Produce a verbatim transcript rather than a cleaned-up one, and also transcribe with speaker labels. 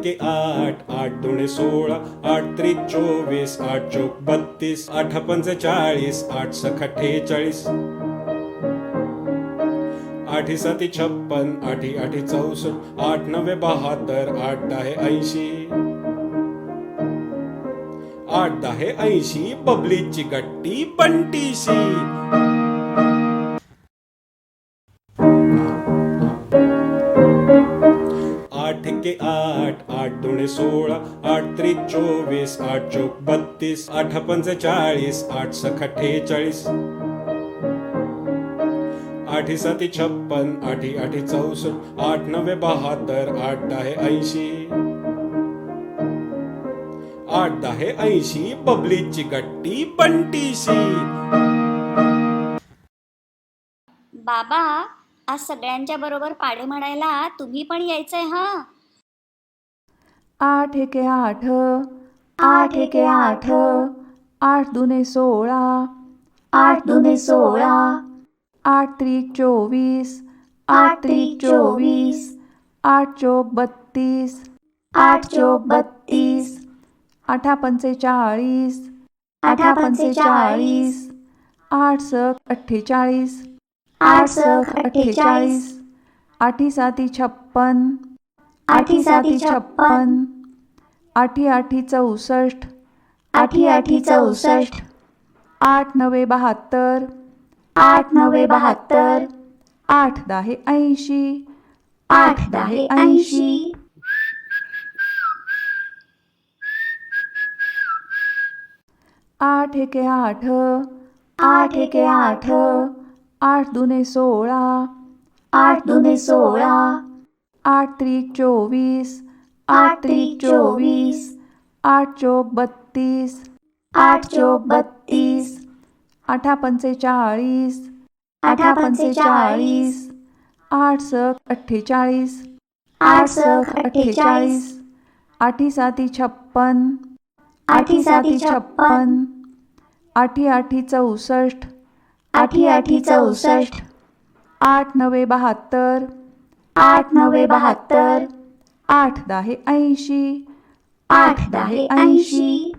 Speaker 1: एके आठ, आठ दुणे सोळा, आठ त्रिक चोवीस, आठ चौक बत्तीस, आठ पंचेचाळीस, आठ सख अठ्ठेचाळीस, आठी साती छप्पन, आठी आठी चौसष्ट, आठ नवे बहात्तर, आठ दहा ऐंशी, आठ दहा ऐंशी, बबलीची गट्टी पंटीशी. आठ एके आठ, आठ दुणे सोळा, आठ त्रिक चोवीस, आठ चौक बत्तीस, आठ पंचेचाळीस, आठ सख अठ्ठेचाळीस, आठी साती छप्पन, आठी आठी चौसष्ट, आठ नवे बहात्तर, आठ दहा ऐंशी, आठ दहा ऐंशी, बबलीची गट्टी पंटीशी.
Speaker 2: बाबा, आज सगळ्यांच्या बरोबर पाढे म्हणायला तुम्ही पण यायचंय हा.
Speaker 3: आठ एके आठ, आठ एके आठ, आठ दुने सोळा, आठ दुने सोळा, आठ त्रिक चोवीस, आठ त्रिक चोवीस, आठ चौक बत्तीस, आठ चौक बत्तीस, आठा पंचेचाळीस, आठा पंचेचाळीस, आठ सक अठ्ठेचाळीस, आठ सक अठ्ठेचाळीस, आठी साती छप्पन, आठी साती छप्पन, आठी आठी चौसष्ट, आठी आठी चौसष्ट, आठ नवे बहात्तर, आठ नवे बहात्तर, आठ दहा ऐंशी, आठ दहा ऐंशी. आठ एके आठ, आठ एके आठ, आठ दुने सोळा, आठ दुने सोळा, आठ त्रिक चोवीस, आठ त्रिक चोवीस, आठ चौक बत्तीस, आठ चौक बत्तीस, आठा पंचेचाळीस, आठा पंचेचाळीस, आठ सक अठ्ठेचाळीस, आठ सक अठ्ठेचाळीस, आठी साती छप्पन, आठी साती छप्पन, आठी आठी चौसष्ट, आठी आठी चौसष्ट, आठ नवे बहात्तर, आठ नवे बहात्तर, आठ दहा ऐंशी, आठ दहा ऐंशी.